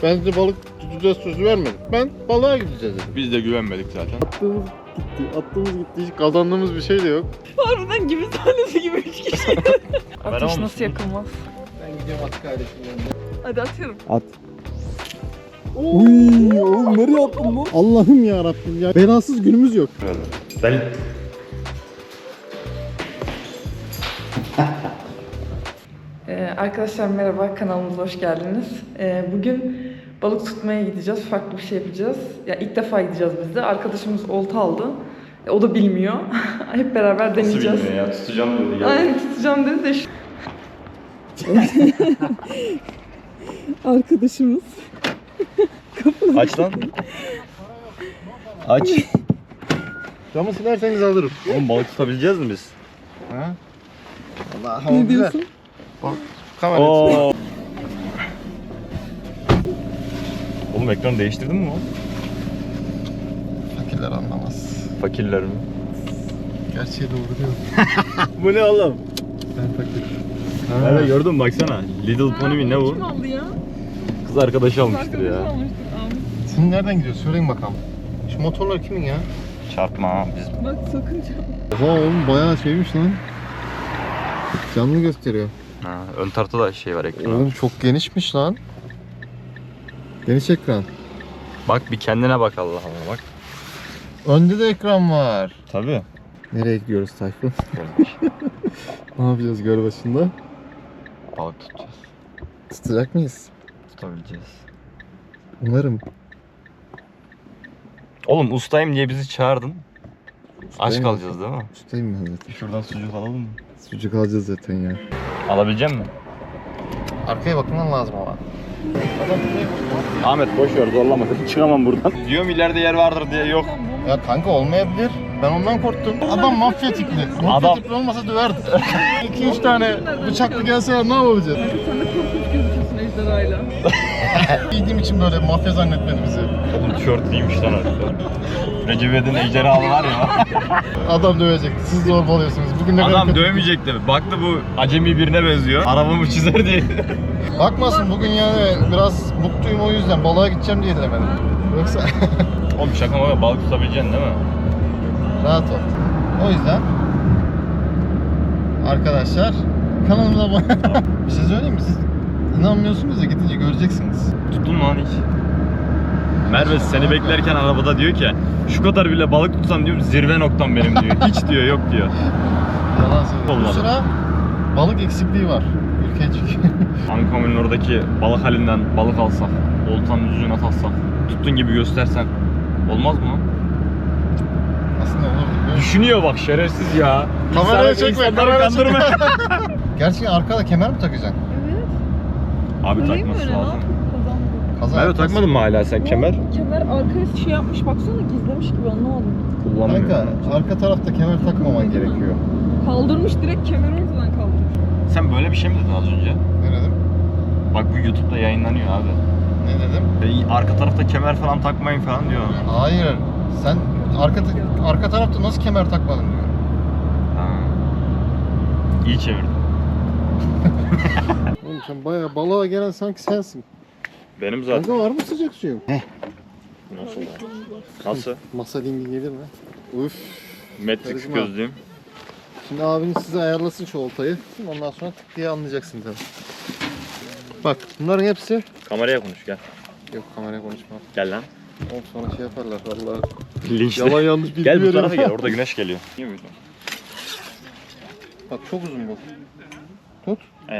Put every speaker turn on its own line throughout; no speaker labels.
Ben size balık tutacağız sözü vermedim. Ben balığa gideceğiz dedim.
Biz de güvenmedik zaten.
Attığımız gitti. Hiç kazandığımız bir şey de yok.
Harbiden gibi sahnesi gibi 3 kişi. Ateş
olmuşsun.
nasıl yakılmaz?
Ben gidiyorum at kardeşim yanına.
Hadi atıyorum.
At. Uy, oğlum nereye attın lan? Allah'ım ya Rabbim ya. Belasız günümüz yok.
Ben...
Arkadaşlar merhaba, kanalımıza hoş geldiniz. Bugün balık tutmaya gideceğiz, farklı bir şey yapacağız. Ya ilk defa gideceğiz biz de. Arkadaşımız olta aldı. O da bilmiyor. Hep beraber deneyeceğiz.
Nasıl bilmiyor ya? Tutacağım dedi.
Aynen tutacağım dedi de şu... Arkadaşımız.
Aç lan. Aç.
Camı silerseniz alırım.
Oğlum balık tutabileceğiz mi biz?
Ha? Allah
Ne diyorsun?
Bak kamera.
Oo. Oğlum ekranı değiştirdin mi o?
Fakirler anlamaz.
Fakirler mi?
Gerçeği doğru diyor.
Bu ne oğlum?
Ben fakir.
Nerede gördün mü baksana. Little Pony mi ne bu?
Kim aldı ya?
Kız arkadaşı almıştır
Arkadaşı
ya.
almıştır. Ahmet.
Sen nereden gidiyorsun? Söyleyin bakalım. Şu motorlar kimin ya?
Çarpma ha biz.
Bak sakın çarpma.
Oha oğlum bayağı şeymiş lan. Canlı gösteriyor.
Ha, ön tarafta da şey var ekran.
Oğlum çok genişmiş lan. Geniş ekran.
Bak bir kendine bak Allah Allah bak.
Önde de ekran var.
Tabii.
Nereye gidiyoruz Tayfun? Ne yapacağız göl başında?
Balık tutacağız.
Tutacak mıyız?
Tutabileceğiz.
Umarım.
Oğlum ustayım diye bizi çağırdın. Aç
Ustayım.
kalacağız değil mi?
Ustayım ben zaten.
Şuradan sucuk alalım mı?
Sucuk alacağız zaten ya.
Alabilecek misin?
Arkaya bakman lazım ama.
Ahmet boş ver zorlama. Çıkamam buradan. Diyorum ileride yer vardır diye yok.
Ya kanka olmayabilir. Ben ondan korktum. Adam mafya tipli. Mafya
Adam-
tipli olmasa döverdi. 2-3 tane bıçaklı gelse ne yapacağız?
Sen de korkunç gözüküyorsun ejderhayla.
Giydiğim için böyle mafya zannetmedi bizi.
Oğlum tişört giymiş lan arkadaşlar. Recep İvedik'in ejderhalı var ya.
Adam dövecek. Siz zorbalıyorsunuz. Bugün ne kadar
Adam
kötü-
dövmeyecekti. Baktı bu acemi birine benziyor. Arabamı çizer diye.
Bakmasın bugün yani biraz mutluyum o yüzden balığa gideceğim diye demedim. Yoksa
Oğlum şaka maka balık tutabileceksin değil mi?
rahat ol. O yüzden arkadaşlar kanalımıza abone. Bir şey söyleyeyim mi? Siz inanmıyorsunuz ya gidince göreceksiniz.
Tuttun mu lan hiç? Merve seni beklerken arabada diyor ki şu kadar bile balık tutsam diyorum zirve noktam benim diyor. Hiç diyor yok diyor.
Yalan söylüyorum. Bu
Olmadı.
sıra balık eksikliği var. Ülke çünkü.
Ankamil'in oradaki balık halinden balık alsak, oltanın yüzüne taksak, tuttun gibi göstersen olmaz mı lan?
Aslında olurdu biliyor musun?
Düşünüyor bak şerefsiz ya.
Kamerayı çekme,
İnsanları
kamerayı
kandırma.
Gerçekten arkada kemer mi takacaksın?
Evet.
Abi
Takayım
takması
öyle,
lazım.
Kaza
Merve
yapmaz.
takmadın mı hala sen kemer?
Kemer arkaya şey yapmış baksana gizlemiş gibi anlamadım.
Kullanmıyorum.
Kanka arka tarafta kemer takmaman gerekiyor.
Kaldırmış direkt kemeri ortadan kaldırmış.
Sen böyle bir şey mi dedin az önce?
Ne dedim?
Bak bu YouTube'da yayınlanıyor abi.
Ne dedim?
Arka tarafta kemer falan takmayın falan diyor.
Hayır. Sen arka tarafta nasıl kemer takmadın diyor.
Ha. İyi çevirdin.
Oğlum sen bayağı balığa gelen sanki sensin.
Benim zaten.
Kanka var mı sıcak suyun?
Nasıl? Nasıl?
Masa dingi gelir mi? Üf.
Matrix
Karizma.
gözlüğüm.
Şimdi abiniz size ayarlasın şu oltayı. Ondan sonra tık diye anlayacaksın tabii. Bak bunların hepsi...
Kameraya konuş gel.
Yok kameraya konuşma.
Gel lan.
Oğlum sonra şey yaparlar vallahi.
Linçle.
Yalan yanlış bilgi
Gel bu
veriyorum.
tarafa gel. Orada güneş geliyor. Niye böyle?
Bak çok uzun bu. Tut.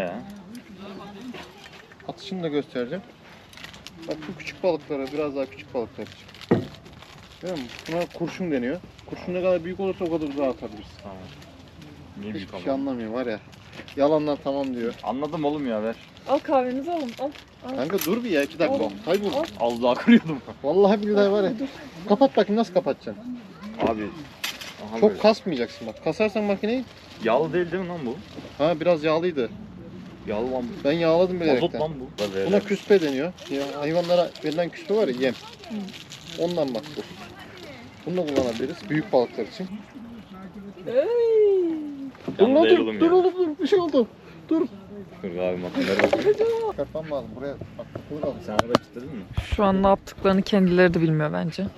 Atışını da göstereceğim. Bak bu küçük balıklara biraz daha küçük balıklar için. Değil mi? Buna kurşun deniyor. Kurşun ne kadar büyük olursa o kadar uzağa atabilirsin.
Tamam. Niye büyük
Hiçbir şey anlamıyor var ya. Yalandan tamam diyor.
Anladım oğlum ya ver.
Al kahvenizi alın al.
Kanka dur bir ya 2 dakika.
Al.
Kaybol.
Az daha kırıyordum.
Vallahi billahi var ya. Kapat bakayım nasıl kapatacaksın.
Abi. Aha
Çok
böyle.
kasmayacaksın bak. Kasarsan makineyi.
Yağlı değil mi lan bu?
Ha biraz yağlıydı.
Yağlı lan bu.
Ben yağladım
Mazot
bilerekten.
lan bu.
Buna küspe deniyor. Ya, hayvanlara verilen küspe var ya yem. Ondan bak bu. Bunu da kullanabiliriz büyük balıklar için.
Ey.
Dur lan
Yanında
dur.
ayrılım
Dur
ya.
oğlum dur. Bir şey oldu. Dur.
Dur abi makineleri.
Çıkartmam lazım. Buraya bak takılı kaldı.
Sen araba kilitledin mi?
Şu an ne yaptıklarını kendileri de bilmiyor bence.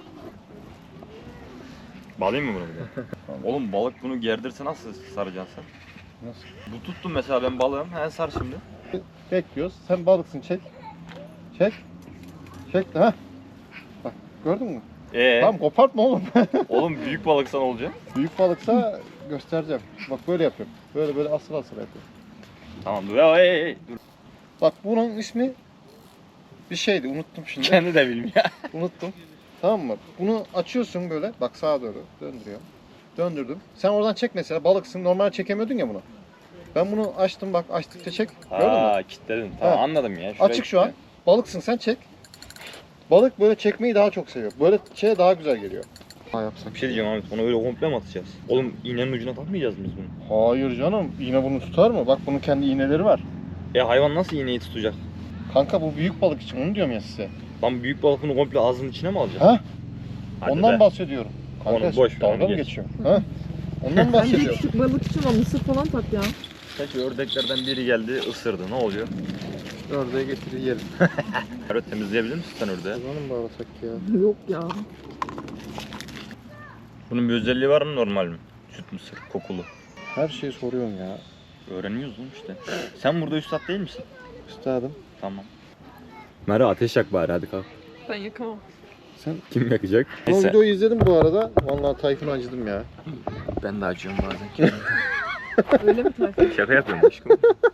Bağlayayım mı bunu bir de? Oğlum balık bunu gerdirse nasıl saracaksın sen?
Nasıl?
Bu tuttum mesela ben balığım. He sar şimdi.
Bekliyoruz. Sen balıksın çek. Çek. Çek de ha. Bak gördün mü? Tamam kopartma oğlum.
Oğlum büyük balıksa ne olacak?
Büyük balıksa göstereceğim. Bak böyle yapıyorum. Böyle böyle asıl yapıyorum.
Tamam dur ya dur.
Bak bunun ismi bir şeydi unuttum şimdi.
Kendi de bilmiyor.
Unuttum. Tamam mı? Bunu açıyorsun böyle. Bak sağa doğru döndürüyorum. Döndürdüm. Sen oradan çek mesela. Balıksın. Normal çekemiyordun ya bunu. Ben bunu açtım bak. Açtıkça çek. Gördün mü?
Aa kilitledin. Tamam
Ha.
anladım ya. Şuraya
Açık şu an. Balıksın sen çek. Balık böyle çekmeyi daha çok seviyor. Böyle şey daha güzel geliyor. Ha yapsak.
Bir şey diyeceğim Ahmet. Onu öyle komple mi atacağız? Oğlum iğnenin ucuna takmayacağız mı biz bunu?
Hayır canım. İğne bunu tutar mı? Bak bunun kendi iğneleri var.
Hayvan nasıl iğneyi tutacak?
Kanka bu büyük balık için onu diyorum ya size.
Lan büyük balık bunu komple ağzının içine mi alacak?
Ha?
Hadi
Ondan
be.
bahsediyorum. Kanka
Onu boş ver,
dalga
onu
mı
geç.
geçiyor? Ha? Ondan
Bence
bahsediyorum.
küçük balık için o mısır falan tak ya.
Peki ördeklerden biri geldi ısırdı. Ne oluyor?
Ördeğe getir yiyelim.
Evet temizleyebilir misin sen ördeği?
Kazanı mı bağlasak ya?
Yok ya.
Bunun bir özelliği var mı normal mi? Süt mısır, kokulu.
Her şeyi soruyorsun ya.
Öğreniyoruz oğlum işte. Sen burada üstad değil misin?
Üstadım.
Tamam. Merve ateş yak bari hadi kalk.
Ben yakamam.
Sen
Kim yakacak?
o videoyu izledim bu arada. Vallahi Tayfun'u acıdım ya.
Ben de acıyorum bazen.
Öyle mi Tayfun?
Şaka yapıyorum aşkım.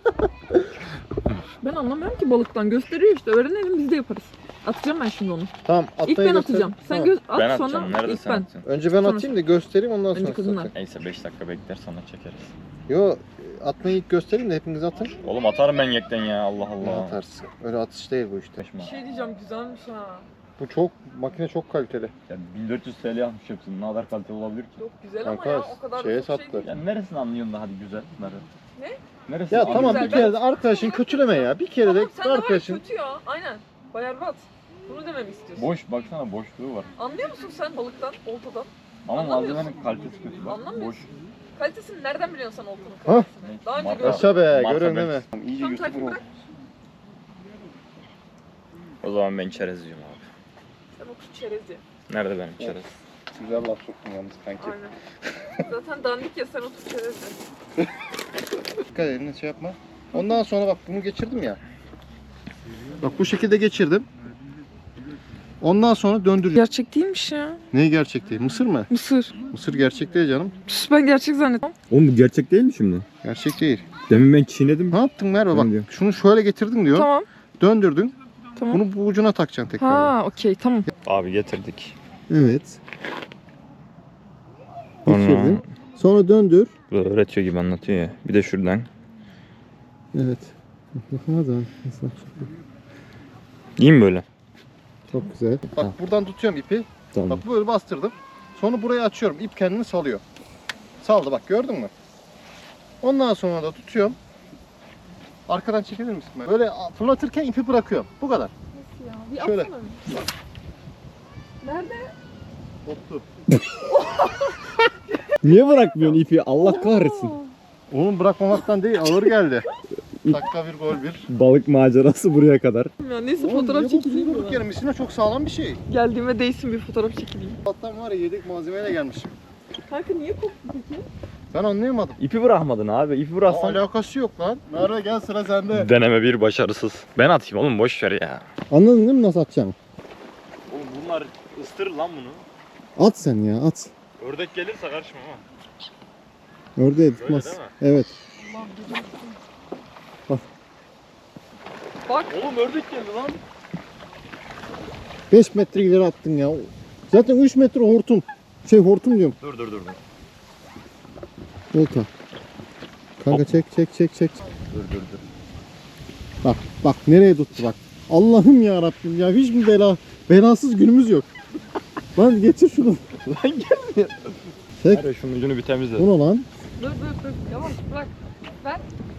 Ben anlamıyorum ki balıktan. Gösteriyor işte. Öğrenelim biz de yaparız. Atacağım ben şimdi onu.
Tamam atmayı
İlk ben
göster.
atacağım. Sen
Tamam.
at
Ben
sonra
atacağım. Nerede
ilk
sen
ben.
atacaksın?
Önce ben
Sonra-
atayım da göstereyim ondan
Önce
sonra.
kızınlar.
atayım.
Neyse 5 dakika bekler sonra çekeriz.
Yo atmayı ilk göstereyim de hepiniz atın.
Oğlum atarım ben yekten ya Allah Allah.
Atarsın. Öyle atış değil bu işte.
Kaçma.
Bir şey diyeceğim güzelmiş ha.
Bu çok makine çok kaliteli.
Ya 1400 TL yapmış hepsini. Ne kadar kaliteli olabilir ki?
Çok güzel
Kanka,
ama ya o kadar
şeye
da çok
sattı.
şey değil.
Ya neresini anlıyorsun da hadi güzel bunları?
Ne?
Neresini
Ya tamam
güzel,
bir kere de arkadaşın kötüleme ya. Bir kere de
Tamam sen de var ya,
arkadaşın.
kötü ya. Aynen. Bayarbat. Bunu dememi istiyorsun.
Boş baksana boşluğu var.
Anlıyor musun sen balıktan, oltadan?
Ama
Anlamıyorsun.
malzemenin kalitesi kötü bak.
Anlamıyorsun.
Boş.
Kalitesini nereden biliyorsun sen oltanın
Ha?
kalitesini? Daha önce
Marka-
gördüm.
Yaşa be
Marka
görüyorsun
ben-
değil mi? İyice
Tamam
YouTuber
Tayfun
oldu.
bırak.
O zaman ben çerezciyim abi.
Sen oku çerezi.
Nerede benim çerez?
Güzel laf soktun yalnız kanki.
Aynen. Zaten dandik ya sen otur çerezi.
Dikkat elini şey yapma. Ondan sonra bak bunu geçirdim ya. Bak bu şekilde geçirdim. Ondan sonra döndüreceğim.
Gerçek değilmiş ya.
Neyi gerçek değil? Mısır mı?
Mısır.
Mısır gerçek değil canım.
Püs, ben gerçek zannettim.
Oğlum bu gerçek değil mi şimdi?
Gerçek değil.
Demin ben çiğnedim.
Ne yaptın Merve
Ben
bak.
diyorum.
Şunu şöyle getirdin diyor.
Tamam.
Döndürdün.
Tamam.
Bunu bu ucuna takacaksın tekrar.
Ha okey tamam.
Abi getirdik.
Evet.
Sonra
Geçirdin. Sonra döndür.
böyle öğretiyor gibi anlatıyor ya. Bir de şuradan.
Evet. Hadi.
İyi mi böyle?
Çok güzel. Bak buradan tutuyorum ipi.
Tamam.
Bak böyle bastırdım. Sonra burayı açıyorum. İp kendini salıyor. Saldı bak gördün mü? Ondan sonra da tutuyorum. Arkadan çekilir misin? Böyle fırlatırken ipi bırakıyorum. Bu kadar.
Nasıl ya? Bir
Şöyle.
atsana. Nerede?
Koptu.
Niye bırakmıyorsun ipi? Allah kahretsin.
Oğlum bırakmamaktan değil ağır geldi. Dakika bir gol bir.
Balık macerası buraya kadar.
Ya neyse
Oğlum,
fotoğraf
niye
çekileyim mi
durduk
ben?
yere? Misina çok sağlam bir şey.
Geldiğime değsin bir fotoğraf çekileyim.
Allah'tan var ya yedek malzemeyle gelmişim.
Kanka niye koptu peki?
Ben anlayamadım.
İpi bırakmadın abi. İpi bıraksan.
Alakası yok lan. Merve gel sıra sende.
Deneme bir başarısız. Ben atayım oğlum boş ver ya.
Anladın değil mi nasıl atacaksın?
Oğlum bunlar ıstırır lan bunu.
At sen ya at.
Ördek gelirse karışma ama.
Ördeğe
tutmaz. değil mi?
Evet.
Bak.
Oğlum ördek geldi lan.
5 metre ileri attın ya. Zaten 3 metre hortum. Hortum diyorum.
Dur.
Olta. Kanka çek.
Dur.
Bak nereye tuttu bak. Allah'ım ya Rabbim ya hiç mi belasız günümüz yok. Lan getir şunu.
Lan gelmiyor.
Çek.
Hadi şunun ucunu bir temizle.
Bu ne lan?
Dur. Yavaş bırak. Ver.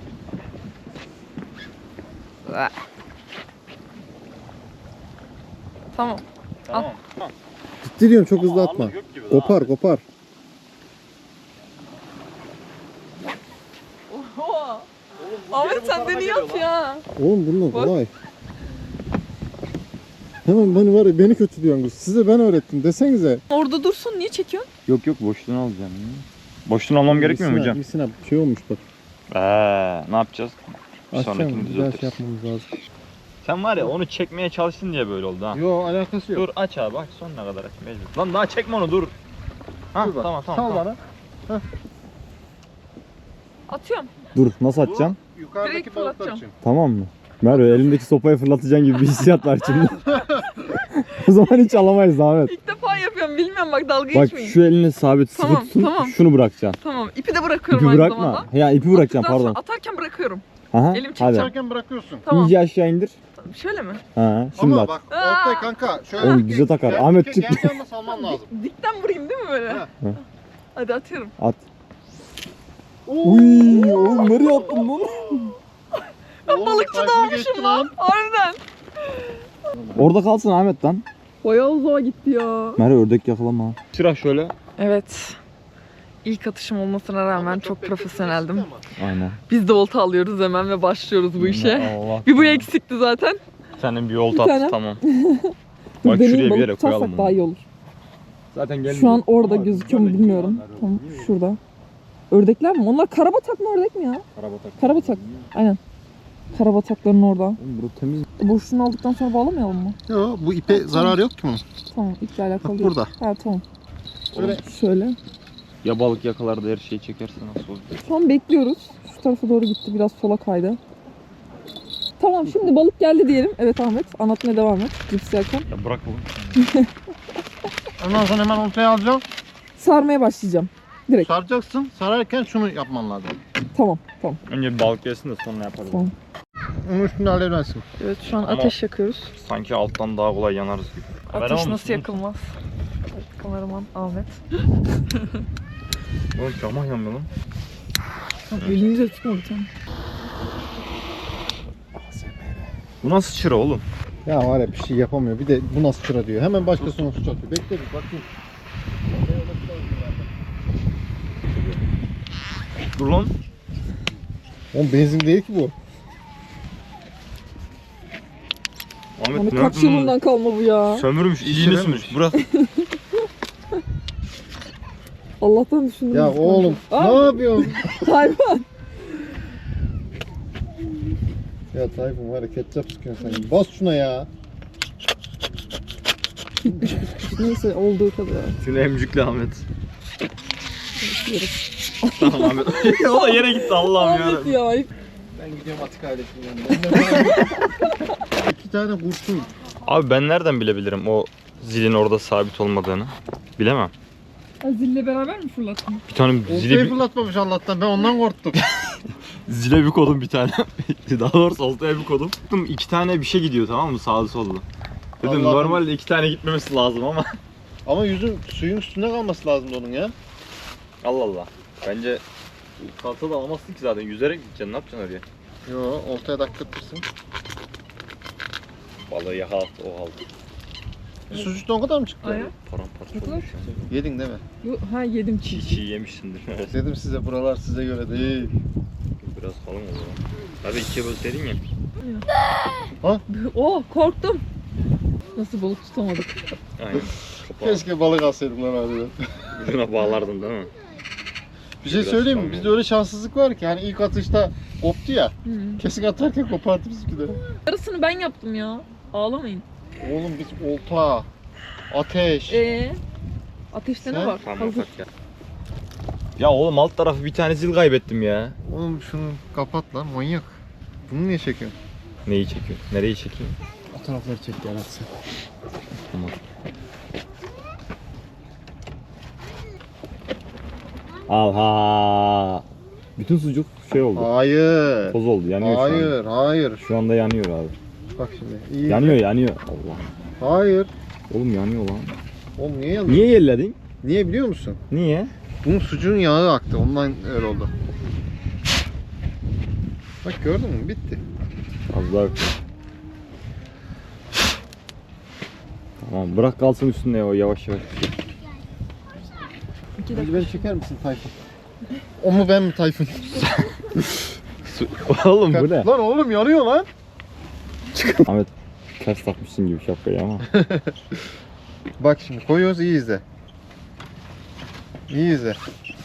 Tamam.
Tamam.
Ciddi diyorum çok hızlı atma.
Ağırlık yok gibi daha.
Kopar.
Oha. Ahmet sen de niye at ya?
Oğlum bunlar
Bak.
kolay. Hemen beni var ya, beni kötülüyorsunuz. Size ben öğrettim desenize.
Orada dursun, niye çekiyorsun?
Yok yok boşluğunu alacağım. Boşluğunu almam gerekmiyor mu hocam?
Misina şey olmuş bak.
Ne yapacağız? Bir sonrakini
Akşam güzel şey
düzeltiriz.
yapmamız lazım.
Sen var ya onu çekmeye çalıştın diye böyle oldu ha.
Yo alakası yok.
Dur aç abi bak sonuna kadar aç mecbur. Lan daha çekme onu dur. Ha
Dur bak,
tamam
Sal
tamam.
bana.
Atıyorum.
Dur nasıl atacaksın?
Bu yukarıdaki
Direkt
balıklar
fırlatacağım.
için.
Tamam mı? Merve elindeki sopayı fırlatacaksın gibi bir hissiyat var şimdi. O zaman hiç alamayız Ahmet.
İlk defa yapıyorum, bilmiyorum bak, dalga
Bak
geçmeyin.
şu elini sabit sıkı
Tamam,
tutun.
tamam.
Şunu bırakacaksın.
Tamam, ipi de bırakıyorum
İpi
aynı
bırakma.
zamanda.
Ya ipi bırakacaksın
Attıktan sonra
pardon.
atarken bırakıyorum.
Aha,
elim
hadi.
Uçarken bırakıyorsun.
Tamam.
İyice aşağı indir.
Şöyle mi?
Ha, şimdi
Ama
at.
bak
Aa!
ortaya kanka şöyle.
Oğlum bize takar. Ahmet çık.
Gel yanına salman lazım.
Dikten vurayım değil mi böyle?
Ha.
Hadi atıyorum.
At. Uy, oğlum nereye attın lan?
Balıkçı
Tayfun'u geçti
doğmuşum lan. Harbiden.
Orada kalsın Ahmet lan.
Bayağı uzağa gitti ya.
Merve ördek yakalama.
Sıra şöyle.
Evet. İlk atışım olmasına rağmen çok profesyoneldim.
Aynen.
Biz de olta alıyoruz hemen ve başlıyoruz bu işe.
Allah.
Bir bu eksikti zaten.
Senin bir olta
Bir tane.
at tamam.
Dur
Bak
deneyim,
şuraya bir
balık
yere koyalım
tutarsak daha iyi
bunu.
olur.
Zaten gelmiyor.
Şu an orada gözüküyor mu bilmiyorum. Tamam şurada. Ördekler mi? Onlar karabatak mı ördek mi ya? Karabatak. Aynen. Karabatakların orada.
Oğlum burası temiz.
Boşluğunu aldıktan sonra bağlamayalım mı?
Yo bu ipe zararı yok ki bunun.
Tamam iple alakalı
Bak
değil.
burada.
Ha tamam.
Şöyle
Şöyle.
Ya balık yakalar da her şeyi çekerse nasıl olur?
Şu an bekliyoruz. Şu tarafa doğru gitti. Biraz sola kaydı. Tamam şimdi balık geldi diyelim. Evet Ahmet anlatmaya devam et. Cips yerken.
Ya bırak oğlum.
ondan sonra hemen ortaya alacağım.
Sarmaya başlayacağım. Direkt.
Saracaksın. Sararken şunu yapman lazım.
Tamam tamam.
Önce bir balık gelsin de sonra yaparız.
Tamam.
Onun üstünde haledersin.
Evet şu an
Ama-
ateş yakıyoruz.
Sanki alttan daha kolay yanarız gibi. Haber
Ateş
almışsın
nasıl
değil mi?
yakılmaz? Kameraman Ahmet.
Oğlum cama yanmıyor lan.
Tamam elinize tutma bir tane.
Bu nasıl çıra oğlum?
Ya var ya bir şey yapamıyor. Bir de bu nasıl çıra diyor. Hemen başkasına suç atıyor. Bekle bir bakayım.
Dur lan.
Oğlum benzin değil ki bu.
Ahmet
Hani
ne
kaç
yaptın
yılından kalma bu ya.
oğlum? Sömürmüş, iyiliğini sürmüş. Bırak.
Allah'tan düşündüm.
Ya oğlum
Aa,
ne yapıyorsun?
hayvan.
Ya Tayfun var ya ketçap sıkıyorsun sen. Bas şuna ya.
Neyse olduğu kadar.
Seni emcükle Ahmet. Tamam Ahmet. O da yere gitti Allah'ım
Ahmet
ya.
ya.
Ben gidiyorum Atik ailesinin yanına. 2 tane kurşun.
Abi ben nereden bilebilirim o zilin orada sabit olmadığını? Bilemem.
Ha, zille beraber mi fırlattın?
Bir tane
Oltayı
zile
fırlatmamış Allah'tan. Ben ondan korktum.
zile bir kodum bir tane. Daha doğrusu oltaya bir kodum. Baktım 2 tane bir şey gidiyor tamam mı sağlı sollu. Dedim
Allah'ım.
normalde 2 tane gitmemesi lazım ama.
Ama yüzün suyun üstünde kalması lazım onun ya.
Allah Allah. Bence salta da alamazsın ki zaten yüzerek gideceksin ne yapacaksın oraya?
Yo oltaya dakkattırsın.
Balığı yakalattı o aldı.
Sucukta o kadar mı çıktı?
Aya.
Paramparça
Ne kadar?
olmuş ya.
Yedin değil mi?
Ha yedim
Çiğ
çiğ.
çiğ yemişsindir.
Dedim size buralar size göre değil.
Biraz kalın o zaman. Hadi ikiye bölseydin ya.
Oh korktum. Nasıl balık tutamadık?
Aynen. Kapağı
Keşke balık alsaydım lan harbiden.
ucuna bağlardın değil mi?
Bir şey
Biraz
söyleyeyim mi?
kalın
Bizde
oldu.
öyle şanssızlık var ki hani ilk atışta koptu ya. Kesin atarken kopardı bizimki de.
Yarısını ben yaptım ya. Ağlamayın.
Oğlum biz olta, ateş.
Ateşte
Sen?
ne var?
Tamam
Hazır.
bak ya. Ya oğlum alt tarafı bir tane zil kaybettim ya.
Oğlum şunu kapat lan manyak. Bunu niye çekiyorsun?
Neyi çekiyor? Nereyi çekiyor?
O tarafları çek ya sen.
Tamam.
Aha. Bütün sucuk şey oldu.
Hayır.
Toz oldu. Yanıyor şu an.
Hayır, hayır.
Şu anda yanıyor abi.
Bak şimdi. İyi.
Yanıyor. Allah.
Hayır.
Oğlum yanıyor lan.
Oğlum niye yanıyor?
Niye yerledin?
Niye biliyor musun?
Niye?
Bunun sucuğun yağı aktı. Ondan öyle oldu. Bak gördün mü? Bitti.
Az daha öptüm. Tamam bırak kalsın üstünde o yavaş yavaş.
Hadi beni çeker misin Tayfun? O mu ben mi Tayfun?
Oğlum bu ne?
Lan oğlum yanıyor lan.
Ahmet ters takmışsın gibi şapkayı ama.
Bak şimdi koyuyoruz, iyi izle. İyi izle.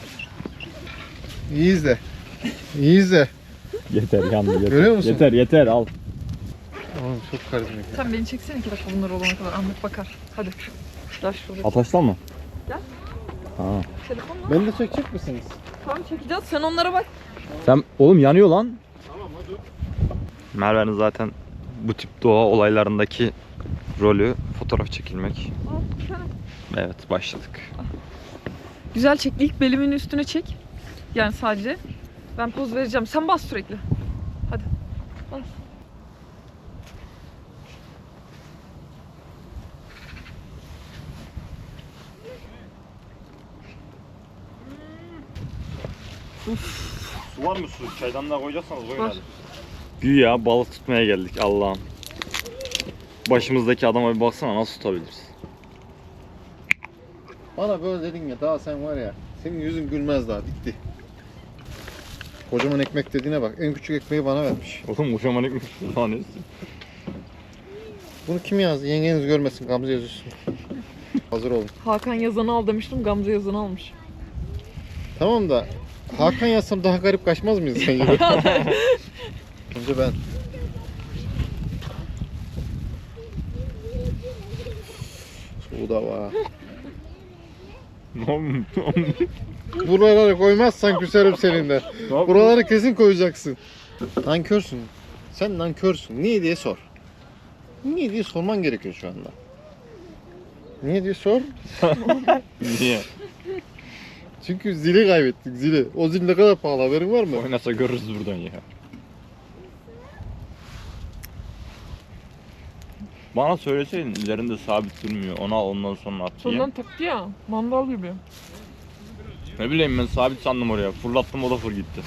İyi izle. İyi izle.
Yeter yandı yeter.
Görüyor musun?
Yeter al.
Oğlum çok karizmatik.
Sen beni çeksene 2 dakika bunlar olana kadar. Ahmet bakar. Hadi. Gel şuraya.
Ataşla mı?
Gel.
Ha.
Telefonla.
Beni de çekecek misiniz?
Tamam çekeceğiz. Sen onlara bak.
Sen oğlum yanıyor lan.
Merve'nin zaten bu tip doğa olaylarındaki rolü fotoğraf çekilmek. Evet, başladık.
Güzel çek. İlk belimin üstüne çek. Yani sadece. Ben poz vereceğim. Sen bas sürekli. Hadi. Bas.
Su var mı su? Çaydanlığa koyacaksanız koyun
Var.
hadi. Güya balık tutmaya geldik Allah'ım. Başımızdaki adama bir baksana, nasıl tutabiliriz?
Bana böyle dedin ya, daha sen var ya, senin yüzün gülmez daha, bitti. Kocaman ekmek dediğine bak, en küçük ekmeği bana vermiş.
Oğlum kocaman ekmek falan neyse.
Bunu kim yazdı? Yengeniz görmesin, Gamze yazıyorsun. Hazır olun.
Hakan yazanı al demiştim. Gamze yazanı almış.
Tamam da Hakan yazsam daha garip kaçmaz mıyız sence? Önce ben. Soğuğu da var. Buraları koymazsan küserim seninle. Buraları kesin koyacaksın. Nankörsün. Sen nankörsün. Niye diye sor. Niye diye sorman gerekiyor şu anda. Niye diye sor.
Niye?
Çünkü zili kaybettik, zili. O zil ne kadar pahalı, haberin var mı?
Oynasa görürüz buradan ya. Bana söyleseydin üzerinde sabit durmuyor. Onu al ondan sonra at diye.
Sondan taktı ya. Mandal gibi.
Ne bileyim ben sabit sandım oraya. Fırlattım o da fır gitti.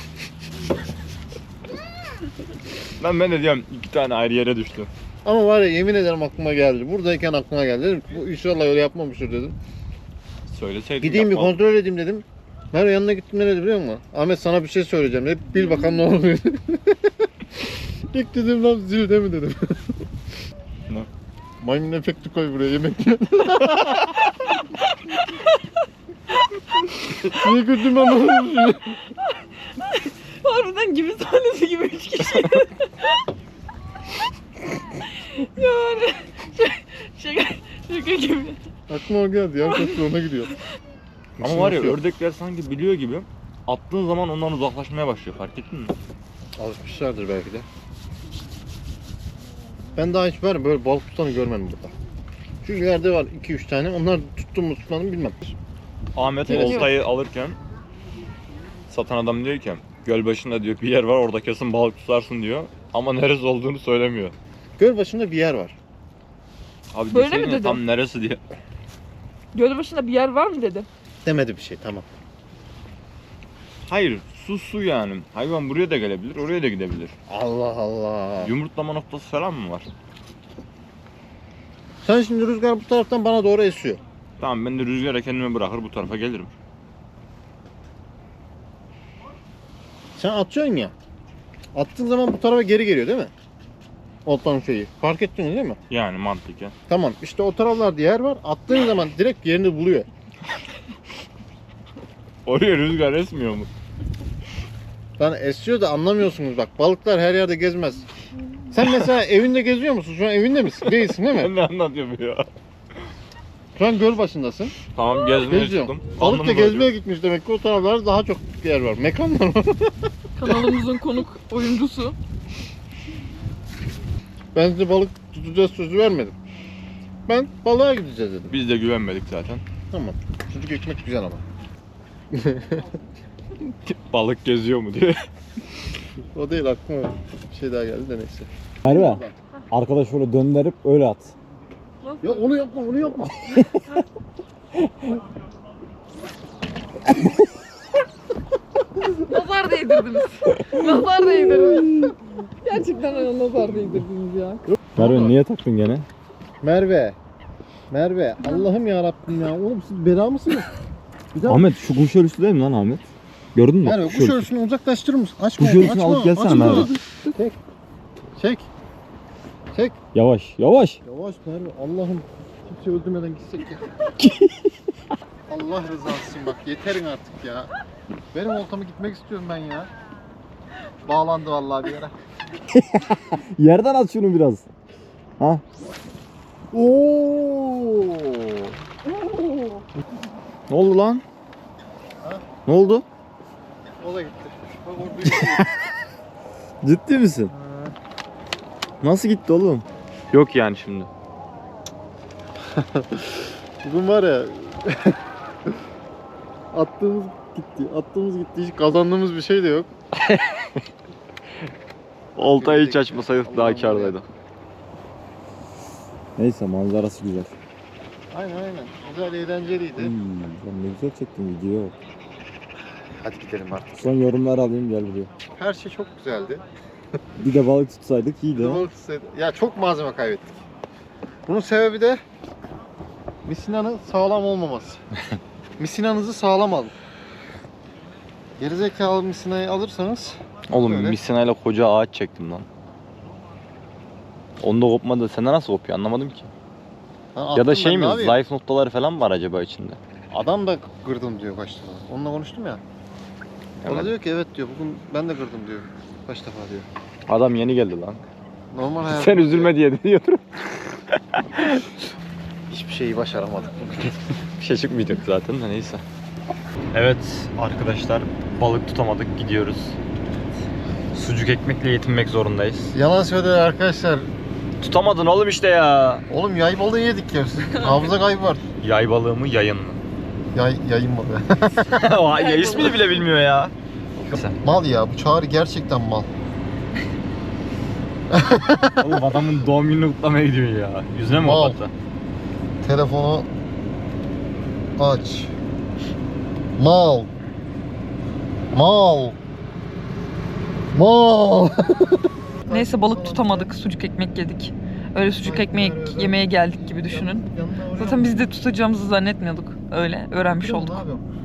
ben de diyorum 2 tane ayrı yere düştü.
Ama var ya, yemin ederim aklıma geldi. Buradayken aklıma geldi. Dedim ki, bu inşallah öyle yapmamıştır dedim.
Söyleseydin
Gideyim bir
yapmam.
kontrol edeyim dedim. Merve yanına gittim, ne dedi biliyor musun? Ahmet sana bir şey söyleyeceğim. Hep bil bakalım ne oluyor. İlk dedim lan zilde mi dedim.
Ne?
Maymun efekti koy buraya, yemek yiyor. Niye güldüm anlamadım.
Harbiden gibi sahnesi gibi 3 kişi. Yani şaka gibi.
Aklıma o geldi. Yan köprü ona gidiyor.
Ama var ya ördekler sanki biliyor gibi attığın zaman ondan uzaklaşmaya başlıyor, fark ettin mi?
Alışmışlardır belki de. Ben daha hiç var ya, böyle balık tutanı görmedim burada. Şu ileride var 2-3 tane. Onlar tuttum mu tutmadım bilmem.
Ahmet
Evet.
oltayı alırken satan adam diyor ki göl başında diyor bir yer var, orada kesin balık tutarsın diyor. Ama neresi olduğunu söylemiyor.
Göl başında bir yer var.
Abi
Böyle mi
deseydin ya,
dedi?
tam neresi diye.
Göl başında bir yer var mı dedi.
Demedi bir şey, tamam.
Hayır, su yani. Hayvan buraya da gelebilir, oraya da gidebilir.
Allah Allah.
Yumurtlama noktası falan mı var?
Sen şimdi rüzgar bu taraftan bana doğru esiyor.
Tamam, ben de rüzgara kendimi bırakır bu tarafa gelirim.
Sen atıyorsun ya. Attığın zaman bu tarafa geri geliyor değil mi? Oltanın şeyi. Fark ettin değil mi?
Yani mantıken.
Tamam. İşte o taraflarda yer var. Attığın zaman direkt yerini buluyor.
Oraya rüzgar esmiyor mu?
Lan esiyor da anlamıyorsunuz bak. Balıklar her yerde gezmez. Sen mesela evinde geziyor musun? Şu an evinde misin? Değilsin değil mi?
Ben ne anlatıyorum ya?
Şu an göl başındasın.
Tamam, gezmeye
Geziyorsun.
çıktım.
Balık da
Alnımı
gezmeye
böyle-
gitmiş demek ki, o taraflarda daha çok yer var. Mekanlar var.
Kanalımızın konuk oyuncusu.
Ben size balık tutacağız sözü vermedim. Ben balığa gideceğiz dedim.
Biz de güvenmedik zaten.
Tamam. Sucuk ekmek güzel ama.
Balık geziyor mu diye.
O değil, aklıma bir şey daha geldi de neyse.
Merve. Arkadaş şöyle döndürüp öyle at.
Ya onu yapma, onu yapma.
Nazar değdirdiniz. Nazar değdirdiniz. Gerçekten nazar değdirdiniz ya.
Merve niye taktın gene?
Merve. Merve. Allah'ım ya Rabbim ya. Oğlum siz bela mısınız? Bir daha
Ahmet şu kum şöyle üstü değil mi lan Ahmet? Gördün mü?
Merve kuş ölüsünü uzaklaştırır mısın? Açma.
Kuş ölüsünü
açma,
alıp gelsene
açma.
Merve.
Çek. Çek. Çek.
Yavaş yavaş.
Yavaş Merve. Allah'ım kimse öldürmeden gitsek ya. Allah rızası için bak yeterin artık ya. Benim oltamı gitmek istiyorum ben ya. Bağlandı vallahi bir yere.
Yerden at şunu biraz. Ha?
Oo.
Ne oldu lan?
Ha?
Ne oldu?
O da gitti. Bak o büyük.
Ciddi misin? Nasıl gitti oğlum?
Yok yani şimdi.
Bugün var ya attığımız gitti. Hiç kazandığımız bir şey de yok.
Oltayı hiç açmasaydık daha kârdaydı.
Neyse manzarası güzel.
Aynen. Güzel eğlenceliydi.
Ben ne güzel çektim video.
Hadi gidelim artık.
Son yorumlar alayım gel buraya.
Her şey çok güzeldi.
Bir de balık tutsaydık iyiydi. ha.
Ya çok malzeme kaybettik. Bunun sebebi de misinanın sağlam olmaması. Misinanızı sağlam alın. Gerizekalı misinayı alırsanız
Oğlum
Öyle.
misinayla koca ağaç çektim lan. Onda kopmadı. Sende nasıl kopuyor anlamadım ki. Ya da şey mi? Zayıf noktaları falan var acaba içinde?
Adam da kırdım diyor kaç defa. Onunla konuştum ya. O da
Evet.
diyor ki evet diyor. Bugün ben de kırdım diyor. Kaç defa diyor.
Adam yeni geldi lan.
Normal hayat.
Sen üzülme diye diyordur.
Hiçbir şeyi başaramadık.
Bir şey çıkmayacak zaten de neyse. Evet arkadaşlar balık tutamadık gidiyoruz. Sucuk ekmekle yetinmek zorundayız.
Yalan söylüyor arkadaşlar.
Tutamadın oğlum işte ya.
Oğlum yay balığı yedik ya. Hafıza kaybı var.
Yay balığı mı yayın mı?
Yayın balığı.
O ya ismini bile bilmiyor ya.
Mal ya bu Çağrı gerçekten mal.
Oğlum adamın doğum gününü kutlamaya gidiyor ya. Yüzüne mi
Mal.
kapattı?
Telefonu aç. Mal. Mal. Mal.
Neyse balık tutamadık. Sucuk ekmek yedik. Öyle sucuk ekmek yemeye geldik gibi düşünün. Zaten biz de tutacağımızı zannetmiyorduk. Öyle öğrenmiş olduk.
Ne yapıyorum?